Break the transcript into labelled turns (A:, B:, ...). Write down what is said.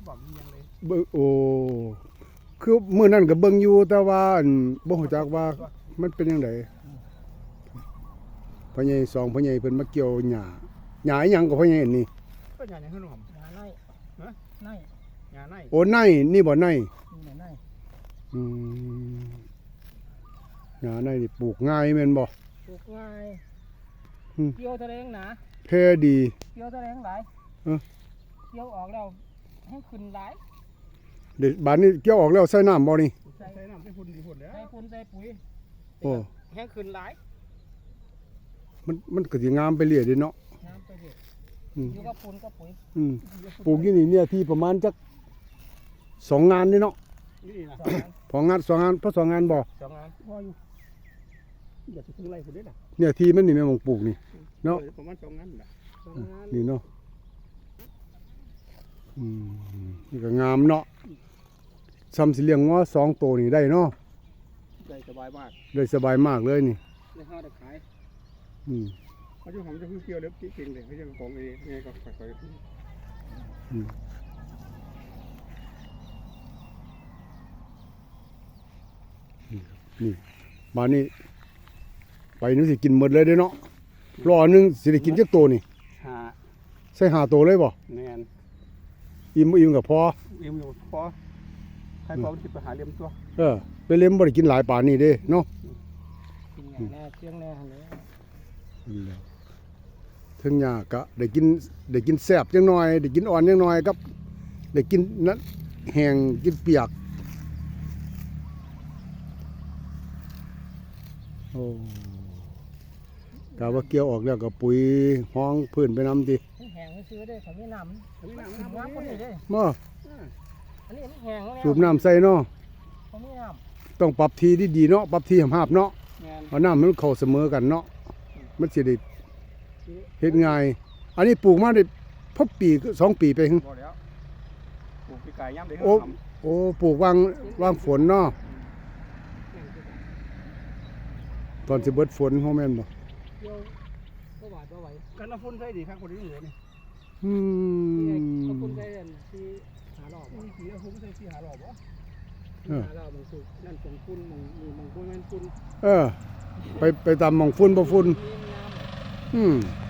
A: บอกมียังเลย
B: โอ้คือมื้อนั้นก็เบิ่งอยู่แต่ว่าอั่นบ่ฮู้จักว่ามันเป็นจังไดพ่อใหญ่สองพ่อใหญ่เพิ่นมาเกี่ยวหญ้าอีหยังก็พ่อใหญ่นี่
A: ก็อย่างนี้ขึ้นหอม
C: หญ้าไร่ไร่
A: งานไน
B: โอ้ในนี่บ่ใน
C: นี่แหละไร่
B: อืมหญ้าในนี่ปลูกง่ายแม่นบ่
C: ปลูกง่าย
B: อืม
C: เกี่ยวทะเลงหนา
B: แท้ดี
C: เกี่ยวทะเลงหลาย
B: เออ
C: เกี่ยวออกแล้วให้ขึ้นหลาย
B: เดี๋ยวบาดนี้เกี่ยวออกแล้วใส่น้ำบ่นี่
C: ใส่
A: ใส่น้ำใส่ฝุ่นดีฝุ่นแล้ว
C: ใส่ปุ๋ยใส่ปุ๋ย
B: โอ้
C: ให้ขึ้นหลาย
B: มันก็สิงามไปเรื่อยเด้เนาะ
C: น้ำไปเรื่อย
B: อืม
C: อยู่กับปุ๋ยกับปุ๋ย
B: ปลูกอยู่นี่เนี่ยที่ประมาณจัก2 งานนี่เนาะ
A: นี่นะ
C: สองงาน
B: 2 งานเพราะ2 งานบ่
C: สองงาน
A: พออยู่อย่าถึงไรฝุ่นได้หรอ
B: เนี่ยที่มันนี่แม่นหม่องปลูกนี่ เนาะ
A: ประมาณ2 งานนะ
C: สองงาน
B: นี่เนาะนี่ก็งามเนาะซ้ำสิเลี้ยงงัว2 ตัวนี่ได้เนาะ
A: ใจสบายมาก
B: ได้สบายมากเลยนี่
A: ได้ห้าได้ขาย
B: อืม
A: เขาจะหอมจะพึ่งเกี่ยวเล็บเก่งเลยเขาจะของเองไงก็ค่อย
B: อืมนี่มานี่ไปนึกสิกินหมดเลยเด้เนาะรอนึงสิได้กินจักตัวนี่
A: หา
B: ใส่5 ตัวเลยบ่
A: แมน
B: อิ่มก็พอ
A: เอ็มอยู่พอใครพอที่ไปหาเลี้ยมตัว
B: ไปเล่มบ่ได้กินหลายป่านนี้เด้เนาะ
C: กินแหน่เชียงแหน่หั่นเลย
B: นั่นแหละถึงหญ้าก็ได้กินแซ่บจังหน่อยได้กินอ่อนจังหน่อยกับได้กินนั้นแห้งกินเปียกโอ้กะว่าเกี่ยวออกแล้วก็ปุ๋ยห้องพื้นไปนำติ
C: มันแห้งไม่ซื้อได้เขาไม่น้ำ
A: อันนี้
C: มัน
A: น้ำ
C: ขึ้น
A: น้ำ
C: น้ำคนนี้ได้
B: มา
C: อันนี้มันแห้งแล้ว
B: สูบน้ำใส่เนาะ
C: เขาไม่น้
B: ต้องปรับทีดีๆเนาะปรับทีหาบๆเนาะ
A: แมน
B: เอาน้ำมันเข้าเสมอกันเนาะมันสิได้เฮ็ดง่ายอันนี้ปลูกมาได้พบปี2 ปีไปหึ
A: พอแล้วปลูกปีกายย่ำเลย
B: โอ้ปลูกวางฝนเนาะตอนสิเบิดฝนเฮาแม่นบ่
C: ำเกี่ยวก็หวาดก็ไหว
A: กันน้ำฝุ่นใส่ดีครับคนนี้เหลือนี่
B: อื
C: นี่ไง
B: ม
C: ก็คุณได้อันที่หาหลอก
A: มีกี่น้ำฝุ่นใส่ที่หาหลอกบ่
C: หาหลอกมันสุก
A: นั่นของฝุ่นมองฝุ่นนั่นฝุ่น
B: ไปตามหม่องฝุ่นบ่ฝุ่น
C: มีน้ำ
B: อืม
C: อ